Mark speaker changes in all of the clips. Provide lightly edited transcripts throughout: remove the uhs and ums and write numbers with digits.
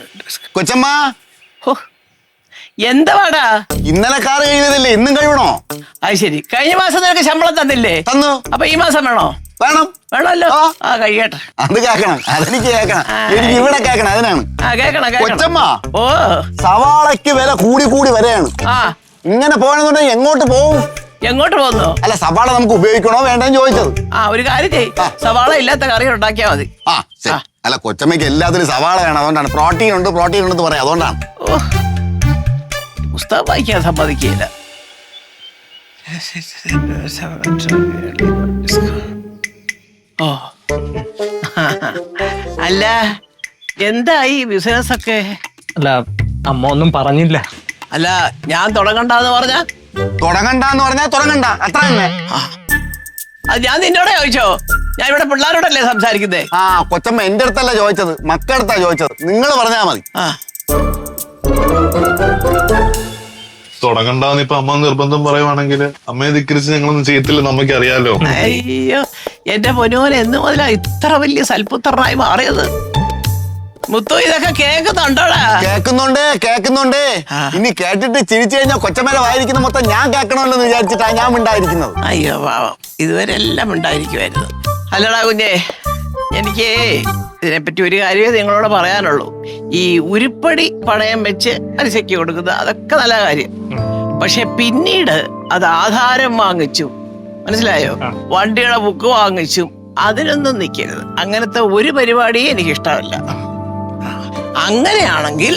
Speaker 1: കൊച്ചമ്മ
Speaker 2: എന്താടാ
Speaker 1: ഇന്നലെ കാർ കഴിയുന്നതല്ലേ ഇന്നും കഴിയണോ?
Speaker 2: അത് ശരി. കഴിഞ്ഞ മാസം നിനക്ക് ശമ്പളം തന്നില്ലേ?
Speaker 1: തന്നു.
Speaker 2: അപ്പൊ ഈ മാസം വേണോ?
Speaker 1: വേണം.
Speaker 2: വേണമല്ലോ. ആ കഴിയട്ടെ.
Speaker 1: അത് കേക്കണം, അതെനിക്ക് കേക്കണം, എനിക്ക് ഇവിടെ കേക്കണം, അതിനാണ്. കൊച്ചമ്മ
Speaker 2: ഓ
Speaker 1: സവാളയ്ക്ക് വില കൂടി കൂടി വരെയാണ്. ഇങ്ങനെ പോകണമെന്നുണ്ടെങ്കിൽ എങ്ങോട്ട് പോവും?
Speaker 2: എങ്ങോട്ട് പോകുന്നു?
Speaker 1: അല്ല, സവാള നമുക്ക് ഉപയോഗിക്കണോ വേണ്ടെന്ന് ചോദിച്ചത്.
Speaker 2: ഒരു കാര്യം ചെയ്, സവാള ഇല്ലാത്ത കറി ഉണ്ടാക്കിയാ മതി.
Speaker 1: അല്ല, കൊച്ചമ്മയ്ക്ക് എല്ലാത്തിനും സവാള വേണം, അതുകൊണ്ടാണ്. പ്രോട്ടീൻ ഉണ്ട് എന്ന് പറയാം, അതുകൊണ്ടാണ്.
Speaker 2: പുസ്തകം വായിക്കാൻ സമ്മതിക്കില്ല. ഓ അല്ല, എന്തായി ബിസിനസ് ഒക്കെ?
Speaker 3: അല്ല, അമ്മ ഒന്നും പറഞ്ഞില്ല.
Speaker 2: അല്ല, ഞാൻ തുടങ്ങണ്ടെന്ന് പറഞ്ഞ
Speaker 1: തുടങ്ങണ്ട അത്ര തന്നെ.
Speaker 2: അത് ഞാൻ നിന്നോടെ ചോദിച്ചോ? ഞാൻ ഇവിടെ പിള്ളേരോടല്ലേ സംസാരിക്കുന്നേ?
Speaker 1: കൊച്ചമ്മ എന്റെ അടുത്തല്ല ചോദിച്ചത്, മക്കളടുത്താ ചോദിച്ചത്. നിങ്ങൾ പറഞ്ഞാ മതി.
Speaker 4: തുടങ്ങണ്ടെന്ന് ഇപ്പൊ അമ്മ നിർബന്ധം പറയുവാണെങ്കിൽ അമ്മയെ ധിക്കരിച്ച് ഞങ്ങളൊന്നും ചെയ്യത്തില്ല, നമുക്ക് അറിയാലോ.
Speaker 2: അയ്യോ, എന്റെ പൊന്നോൻ എന്ന് മുതലാ ഇത്ര വലിയ സൽപുത്രനായി മാറിയത്? മുത്തു, ഇതൊക്കെ കേൾക്കുന്നുണ്ടോടാ?
Speaker 1: കേൾക്കുന്നുണ്ട്. ഇനി കേട്ടിട്ട് ചിരിച്ചു കഴിഞ്ഞാൽ കൊച്ചമ്മേലെ വായിരിക്കുന്ന മൊത്തം ഞാൻ കേൾക്കണമല്ലോ എന്ന് വിചാരിച്ചിട്ടാ ഞാൻ ഉണ്ടായിരിക്കുന്നത്.
Speaker 2: അയ്യോ പാവം, ഇതുവരെ എല്ലാം ഉണ്ടായിരിക്കുമായിരുന്നു. അല്ലടാ കുഞ്ഞേ, എനിക്ക് ഇതിനെപ്പറ്റി ഒരു കാര്യമേ നിങ്ങളോട് പറയാനുള്ളൂ. ഈ ഉരുപ്പടി പണയം വെച്ച് പലിശയ്ക്ക് കൊടുക്കുന്നത് അതൊക്കെ നല്ല കാര്യം. പക്ഷെ പിന്നീട് അത് ആധാരം വാങ്ങിച്ചു, മനസ്സിലായോ, വണ്ടിയുടെ ബുക്ക് വാങ്ങിച്ചും അതിനൊന്നും നിൽക്കരുത്. അങ്ങനത്തെ ഒരു പരിപാടിയും എനിക്കിഷ്ടമല്ല. അങ്ങനെയാണെങ്കിൽ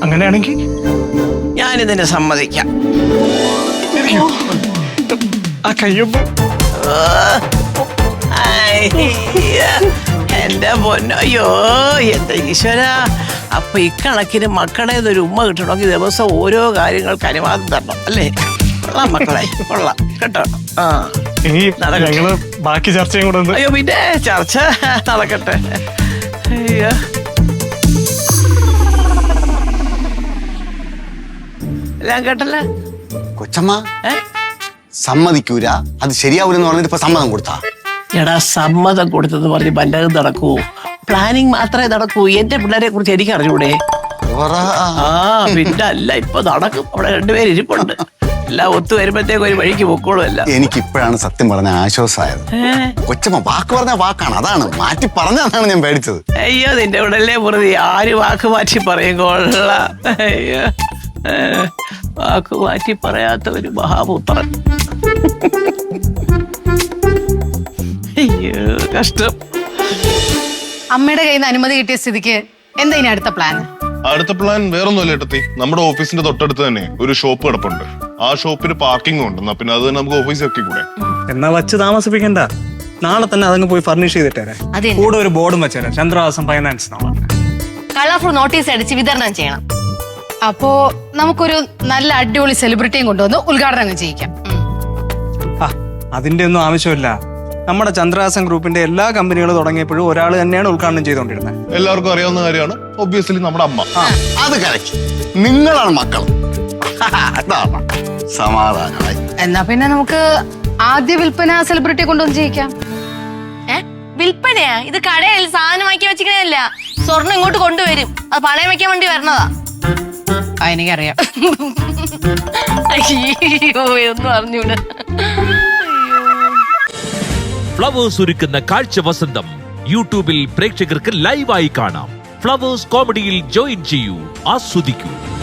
Speaker 2: ഞാനിതിനെ സമ്മതിക്കാം. എന്റെ പൊന്നയ്യോ, എന്റെ ഈശ്വര. അപ്പൊ ഇക്കണക്കിന് മക്കളെ ഒരു ഉമ്മ കിട്ടണമെങ്കിൽ ദിവസം ഓരോ കാര്യങ്ങൾക്ക് അനുവാദം തരണം, അല്ലേ? കൊള്ളാം മക്കളെ, കൊള്ളാം കേട്ടോ.
Speaker 3: ബാക്കി ചർച്ചയും കൂടെ.
Speaker 2: അയ്യോ, പിന്നെ ചർച്ച നടക്കട്ടെ. അയ്യോ, എല്ലാം കേട്ടല്ലേ?
Speaker 1: കൊച്ചമ്മ സമ്മതിക്കൂല, അത് ശരിയാവൂലെന്ന് പറഞ്ഞിട്ട് ഇപ്പൊ സമ്മതം കൊടുത്താ?
Speaker 2: എടാ, സമ്മതം കൊടുത്തെന്ന് പറഞ്ഞ് വല്ലതും നടക്കൂ? പ്ലാനിങ് മാത്രമേ നടക്കൂ. എന്റെ പിള്ളേരെ കുറിച്ച് എനിക്ക് അറിഞ്ഞൂടെ? പിന്നെ അല്ല, ഇപ്പൊ നടക്കും. അവിടെ രണ്ടുപേര് ഇരിപ്പുണ്ട്. എല്ലാം ഒത്തു വരുമ്പോഴത്തേക്ക് ഒരു വഴിക്ക് പൊക്കോളും. അല്ല,
Speaker 1: എനിക്കിപ്പോഴാണ് സത്യം പറഞ്ഞ ആശ്വാസമായത്. കൊച്ചമ്മ വാക്ക് പറഞ്ഞ വാക്കാണ്, അതാണ് മാറ്റി പറഞ്ഞതാണ് ഞാൻ പേടിച്ചത്.
Speaker 2: അയ്യോ, നിന്റെ ഉടനെ വെറുതെ ആര് വാക്ക് മാറ്റി പറയും? കൊള്ളാം. അയ്യോ, വാക്ക് മാറ്റി പറയാത്ത ഒരു മഹാപുത്രൻ. അയ്യോ, കഷ്ടം.
Speaker 5: അമ്മയുടെ കയ്യിൽ നിന്ന് അനുമതി കിട്ടിയ സ്ഥിതിക്ക് എന്താ ഇനി അടുത്ത പ്ലാൻ?
Speaker 4: അടുത്ത പ്ലാൻ വേറൊന്നുമല്ല ഏട്ടത്തി. നമ്മുടെ ഓഫീസിന്റെ തൊട്ടടുത്ത് തന്നെ ഒരു ഷോപ്പ് കിടപ്പുണ്ട്. ആ ഷോപ്പിന് പാർക്കിംഗ് ഉണ്ട്. പിന്നെ അത് നമുക്ക് ഓഫീസിൽ ഒക്കെ കൂടെ.
Speaker 3: എന്നാ വച്ച് താമസിപ്പിക്കണ്ട, നാളെ തന്നെ അതങ്ങ് പോയി ഫർണിഷ് ചെയ്തിട്ടേ. കൂടെ ഒരു ബോർഡും വെച്ചേരാ, ചന്ദ്രവാസം ഫൈനാൻസ്.
Speaker 5: കളർഫുൾ നോട്ടീസ് അടിച്ച് വിതരണം ചെയ്യണം. അപ്പോ നമുക്കൊരു നല്ല അടിപൊളി സെലിബ്രിറ്റിയും കൊണ്ടുവന്ന് ഉദ്ഘാടനം ചെയ്യിക്കാം.
Speaker 3: അതിന്റെ ഒന്നും ആവശ്യമില്ല. നമ്മുടെ ചന്ദ്രഹാസൻ ഗ്രൂപ്പിന്റെ എല്ലാ കമ്പനികളും തുടങ്ങിയപ്പോഴും ഒരാൾ തന്നെയാണ് ഉദ്ഘാടനം ചെയ്തുകൊണ്ടിരുന്നത്.
Speaker 4: എല്ലാവർക്കും അറിയാവുന്ന കാര്യമാണ്. ഒബ്വിയസ്ലി നമ്മുടെ അമ്മ.
Speaker 1: അത് കറക്റ്റ്. നിങ്ങളാണ് മക്കൾ. സമാധാനമായി.
Speaker 5: എന്നാ പിന്നെ നമുക്ക് ആദ്യ വിൽപ്പന സെലിബ്രിറ്റി കൊണ്ടുവന്ന് ചെയ്യിക്കാം.
Speaker 6: വിൽപ്പനയാ? ഇത് കടയിൽ സാധനം വാക്കി വെച്ചിരിക്കണല്ല. സ്വർണ്ണം ഇങ്ങോട്ട് കൊണ്ടുവരും, അത് പണയം വെക്കാൻ വേണ്ടി വരണതാ.
Speaker 5: എനിക്കറിയാം.
Speaker 6: അയ്യോ, ഒന്നും അറിഞ്ഞൂടെ.
Speaker 7: ഫ്ലവേഴ്സ് ഒരുക്കുന്ന കാഴ്ച വസന്തം യൂട്യൂബിൽ പ്രേക്ഷകർക്ക് ലൈവായി കാണാം. ഫ്ലവേഴ്സ് കോമഡിയിൽ ജോയിൻ ചെയ്യൂ, ആസ്വദിക്കൂ.